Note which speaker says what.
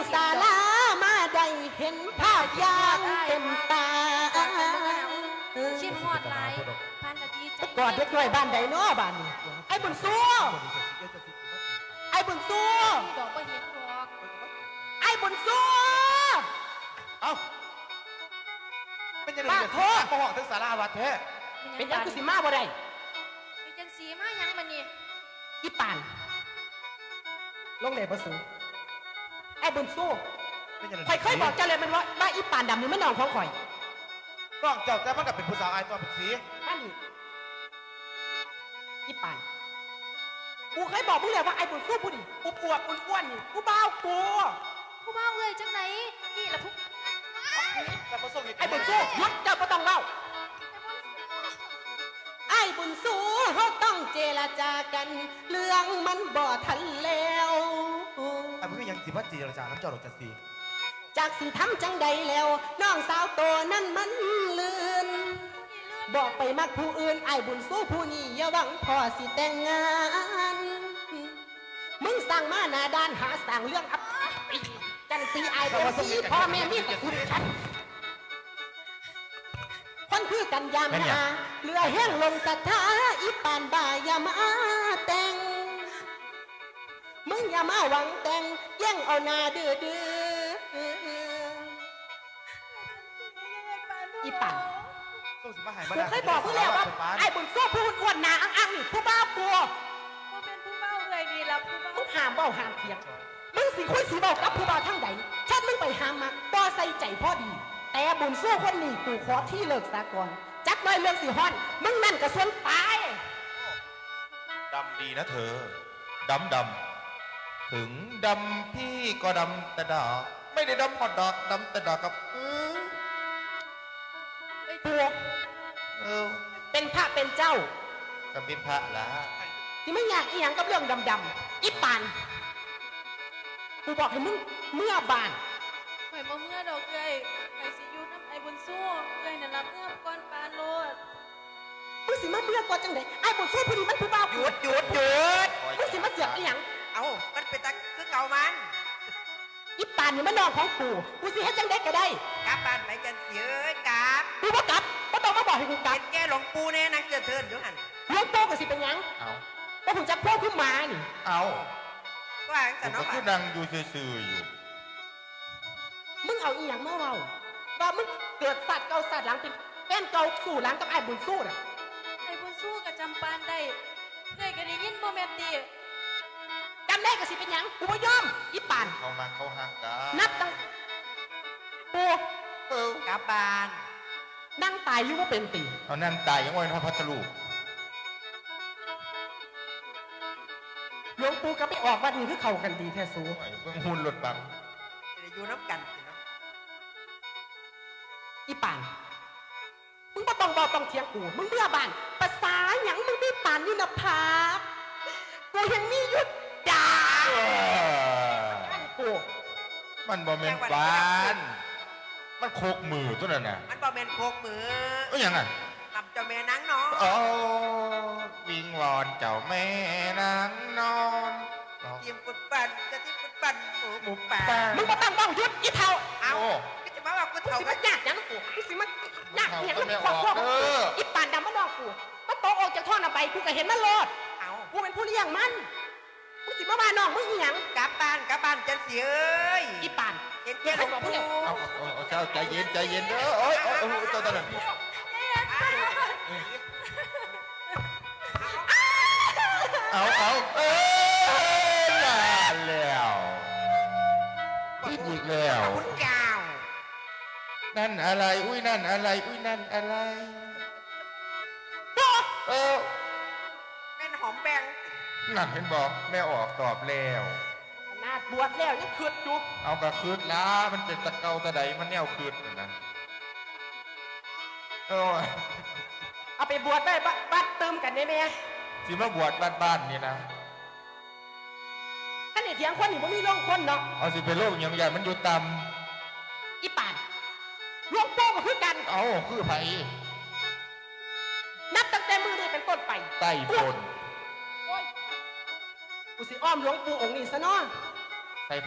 Speaker 1: ศาลามาได้เห็นภาพอย่างเต็มตา
Speaker 2: ชินหอดไหลพันนาทีใจ
Speaker 1: กอดเด็กน้อยบ้านใดเนาะบ้านนี้ไอ้บุญสู้ไอ้บุญสู้
Speaker 2: ดอกบ่เห็นดอก
Speaker 1: ไอ้บุญสู้
Speaker 3: เอ้าเป็นยังไงเนี่ยพ่อห้องถึงศาลาวัดแท้
Speaker 1: เป็นยังกูสิมาบ่ได้
Speaker 2: เป็นจังสีมายังมันนี่
Speaker 1: อีป่านลงเลยบ่สูไอ้บุญสู้ข่อยเคยบอกเจ้าเลยมันว่าอีป่านดำนี่ไม่นอนของข่อย
Speaker 3: น้องเจ้าแต่มันก็เป็นผู้สาวอายตัวเป็นสี
Speaker 1: นั่นอีป่านกูเคยบอกมึงเลยว่าไอ้บุญสู้ผู้ดิกูปวดอ้วนนี่กูเบ้ากู
Speaker 2: เบ้าเลยจังไหนนี่ละทุก
Speaker 1: ไอ้บุญสู้หยุดเจ้าก็ต้องเล่าไอ้บุญสู้เขาต้องเจรจากันเรื่องมันบ่ทันแล้ว
Speaker 3: ไอ้บุญยังสิว่าเจรจาน้ำเจ้าหรอกจันสี
Speaker 1: จากสิทำจังใดแล้วน้องสาวโตนั่นมันลืนบอกไปมักผู้อื่นไอ้บุญสู้ผู้นี้อย่าหวังพอสิแต่งงานมึงสั่งมาหน้าด้านหาสั่งเรื่องอับจันสีไอ้เป็นสีพ่อแม่มีแต่คุณฉันคนคือกันยามนาเรือแห้งลงศรัทธาอีปานบ่ายามาแต่งมึงอย่ามาหวังแต่งแย่งเอาหน้าดื้ออีปานกูเคยบอกพี่แล้วว่าไอ้บุญสู้พูดอ้วนหนาอังนี่ผู้บ้าปัว
Speaker 2: ว่าเป็นผู้เบ้าเลยดีละผู้เบ้า
Speaker 1: มึงห้ามเบ้าห้ามเถียงมึงสิคุยสีเบ้ากับผู้บ้าทั้งใดชัดมึงไปห้ามมาต่อใส่ใจพ่อดีแต่บุญสู้คนนี้กูขอที่เลิกสากลจักน้อยเรื่องสิฮอนมึงนั่นกระส่วนตาย
Speaker 3: ดำดีนะเธอดำถึงดำพี่ก็ดำแต่ดอกไม่ได้ดำพอดอกดำแต่ดอกกับ
Speaker 1: ปัวเป็นพระเป็นเจ้า
Speaker 3: กับเป็นพระละ
Speaker 1: ที่ไม่อยากอีหยังกับเรื่องดำๆอีปานกูบอกให้มึงเมื่อบาน
Speaker 2: ข่อยบ่เมื่อดอกเลยข่อยสิอยู่น้ำไอ้บุญสู้เลยนั่นละเมื่อก้อนปานโลด
Speaker 1: มึงสิมาเมื่อก่อนจังไดไอ้บุญสู้พอดีมันผู้บ่าว
Speaker 4: หยุด
Speaker 1: มึงสิมาเสือกอีหยัง
Speaker 4: เอามันเป็นตะคือเก่ามัน
Speaker 1: อีปานนี่มันนองของกูสิเฮ็ดจังได๋ก็ได้
Speaker 4: กลับบ้านไปจันเสียกลับ
Speaker 1: กูบ่กลับบ่ต้องมาบอกให้กูกลับ
Speaker 4: แกหลวงปู่แน่นักเตือนอยู่หั่น
Speaker 1: หลวงปู่ก็สิเป็นหยัง
Speaker 3: เอา
Speaker 1: บ่ฮู้จักพวกขึ้นมานี่
Speaker 3: เอา
Speaker 4: ว่าจังเนาะ
Speaker 3: คือนั่งอยู่ซื่อๆอยู่
Speaker 1: มึงเอาอีหยังมาเว้าว่ามึงเกิดสัตว์เก่าสัตว์หลังเป็นแฟนเก่าสู่หลังกับไอ้บุญสู้น่ะ
Speaker 2: ไอ้บุญสู้กับจำปานได้เลยก็ได้ยินบ่แม่นติ
Speaker 1: จำได้ก็สิเป็นหยังกูบ่ยอมอีปาน
Speaker 3: เขามาเขาหักกัน
Speaker 1: นับตั้งปู
Speaker 4: กลับบ้าน
Speaker 1: นั่งตายอยู่ว่าเป็นตี
Speaker 3: เอานั่งตายยังไงนะพัทลุ
Speaker 1: หลวงปู่ก็ไปออกวัดนี้คือเข้ากันดีแท้สูง
Speaker 3: เพิ่งหุ่นหลุดบัง
Speaker 4: จะอยู่น้ำกัน
Speaker 1: อีป่านมึงบ่ต้องบอกต้องเถียงกูมึงเบื่อบ้านภาษาหยังมึงไม่ป่านอยู่นะพากูยังมีหยุดด่ากู
Speaker 3: มันบ่แม่นบ้านมันโคกมือตัวนั้นน่ะ
Speaker 4: มันบ่แม่นโคกมือ
Speaker 3: ยังไง
Speaker 4: กับเจ้าแม่นางนอน
Speaker 3: โอ้วิงวอนเจ้าแม่นางนอน
Speaker 4: ทีมกุดปั่นจะทีมกุดปั่นหมูป่า
Speaker 1: มึงบ่ต้องบอกหยุดอีเท่า
Speaker 4: เอาก็จะมาว่ากุดเท่า
Speaker 1: ก็ยากยังกูกูสิมันยากเห็นมันควบคุมอีป่านดำมันนอกกูมันโตออกจากท่อน่ะไปกูก็เห็นมันโลด
Speaker 4: เอา
Speaker 1: กูเป็นผู้เลี้ยงมันมึงสิมาบ้านน้องมึงอีหยัง
Speaker 4: กลับบ้านจันเสียเอ้ย
Speaker 1: อีป่าน
Speaker 4: เห็นแค่หลวงปู่
Speaker 3: เอาเจ้าใจเย็นเด้อโอ้ยตัวนั้นเอาแล้วคิดอีกแล้ว
Speaker 4: คุณเจ้า
Speaker 3: นั่นอะไรอุ้ยนั่นอะไรอุ้ยนั่นอะไร
Speaker 4: แม่นหอมแบง
Speaker 3: นั่นเห็นบอกแม่ออกตอบแล้ว
Speaker 1: นาดบวชแล้วยังคืดอยู่
Speaker 3: เอากระคืดล้ามันเป็นตะเกาตะใดมันแนวคืดนะ
Speaker 1: เอาไปบวชได้บัดเติมกันได้ไหม
Speaker 3: สิมาบวชบ้านนี่นะ
Speaker 1: ท่านเถียงคนนี่ผมมีโรคคนเนาะ
Speaker 3: เอาสิเป็นโรคอย่างใหญ่มันอยู่ต่
Speaker 1: ำอีป่านหลวงปู่ก็คือกัน
Speaker 3: เอาคือไผ
Speaker 1: นับตั้งแต่มือนี้เป็นต้นไป
Speaker 3: ไต้ปน
Speaker 1: กูสิอ้อมหลวงปู่องค์นี้ซะเนาะ